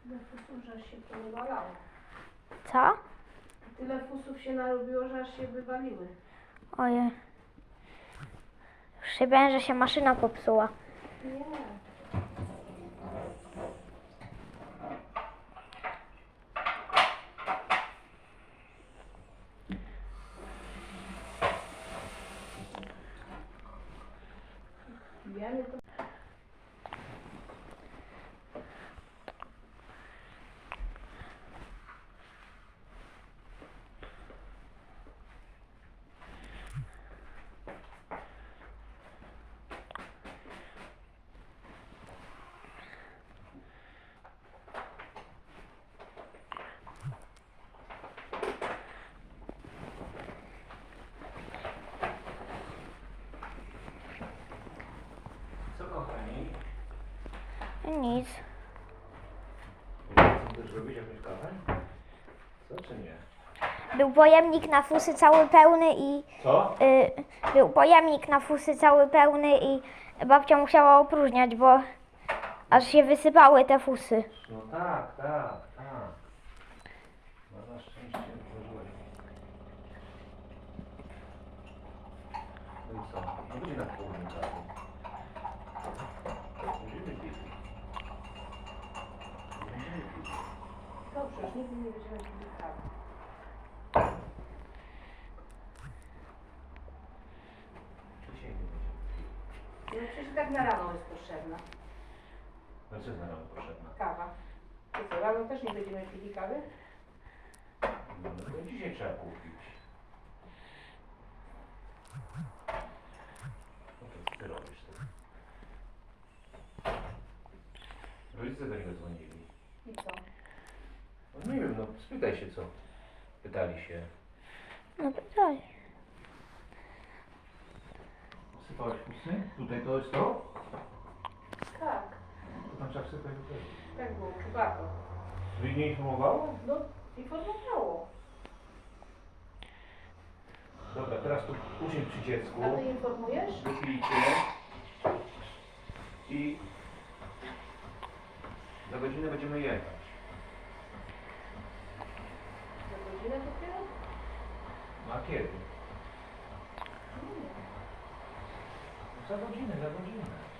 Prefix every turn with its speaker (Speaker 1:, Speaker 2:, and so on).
Speaker 1: Tyle fusów, że aż się to wywalało.
Speaker 2: Co?
Speaker 1: Tyle fusów się narobiło, że aż się wywaliły.
Speaker 2: Ojej. Już się bałem, że się maszyna popsuła.
Speaker 1: Nie. Wiemy to.
Speaker 3: Co kochani?
Speaker 2: Nic.
Speaker 3: Chcą też robić jakąś kawę? Co czy nie?
Speaker 2: Był pojemnik na fusy cały pełny i...
Speaker 3: Co?
Speaker 2: Był pojemnik na fusy cały pełny i babcia musiała opróżniać, bo aż się wysypały te fusy.
Speaker 3: No tak, tak, tak. No na szczęście otworzyłeś. No i co? No będzie na południu kawy. Będziemy pili. Będziemy pili.
Speaker 1: Dobrze, już nigdy nie będziemy pili kawy.
Speaker 3: Dzisiaj nie będziemy pili.
Speaker 1: No przecież i tak na rano jest potrzebna
Speaker 3: No co jest na rano potrzebna?
Speaker 1: kawa. I co, rano też nie będziemy pili kawy?
Speaker 3: No to dzisiaj trzeba kupić. No to co ty robisz teraz? Rodzice do niego dzwonili.
Speaker 1: I co?
Speaker 3: No nie wiem, no spytaj się co. Pytali się.
Speaker 2: No pytaj.
Speaker 3: Sypałeś pusty? Tutaj to jest to?
Speaker 1: Tak,
Speaker 3: To tam trzeba sypać do tego.
Speaker 1: tak było, bardzo.
Speaker 3: Wy nie informowało?
Speaker 1: No, informowało.
Speaker 3: Dobra, teraz tu usiądź przy dziecku.
Speaker 1: A ty informujesz?
Speaker 3: Wypijcie. I za godzinę będziemy jechać.
Speaker 1: Za godzinę dopiero?
Speaker 3: No a kiedy? Za godzinę, za godzinę.